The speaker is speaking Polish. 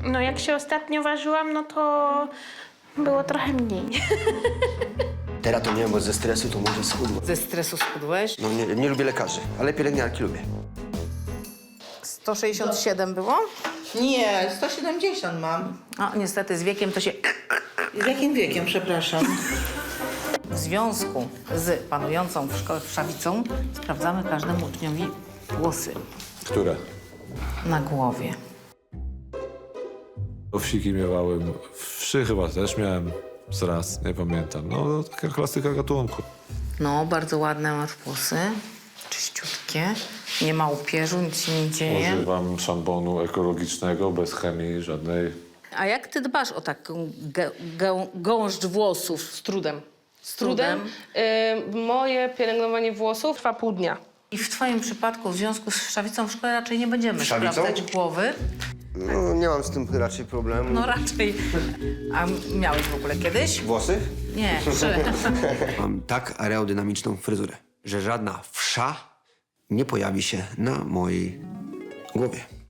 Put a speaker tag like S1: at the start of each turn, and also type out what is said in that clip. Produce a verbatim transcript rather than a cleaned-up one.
S1: No jak się ostatnio ważyłam, no to było trochę mniej.
S2: Teraz to nie wiem, bo ze stresu to może schudło.
S3: Ze stresu schudłeś?
S2: No nie, nie lubię lekarzy, ale pielęgniarki lubię.
S3: sto sześćdziesiąt siedem było?
S4: Nie, sto siedemdziesiąt mam.
S3: A niestety z wiekiem to się...
S4: Z jakim wiekiem, przepraszam?
S3: W związku z panującą w szkole wszawicą sprawdzamy każdemu uczniowi włosy
S5: Które?
S3: na głowie.
S5: Owsiki miewałem. Wszy chyba też miałem z raz, nie pamiętam. No, taka klasyka gatunku.
S3: No, bardzo ładne masz włosy, czyściutkie, nie ma upierzu, nic się nie dzieje.
S5: Używam szamponu ekologicznego, bez chemii żadnej.
S3: A jak ty dbasz o taką gę, gę, gąszcz włosów?
S6: Z trudem. Z
S3: trudem?
S6: trudem. Y, moje pielęgnowanie włosów trwa pół dnia.
S3: I w twoim przypadku w związku z wszawicą w szkole raczej nie będziemy
S2: Wszawicą?
S3: sprawdzać głowy.
S2: No nie mam z tym raczej problemu.
S3: No raczej. A miałeś w ogóle kiedyś?
S2: Włosy?
S3: Nie, że...
S2: Mam tak aerodynamiczną fryzurę, że żadna wsza nie pojawi się na mojej głowie.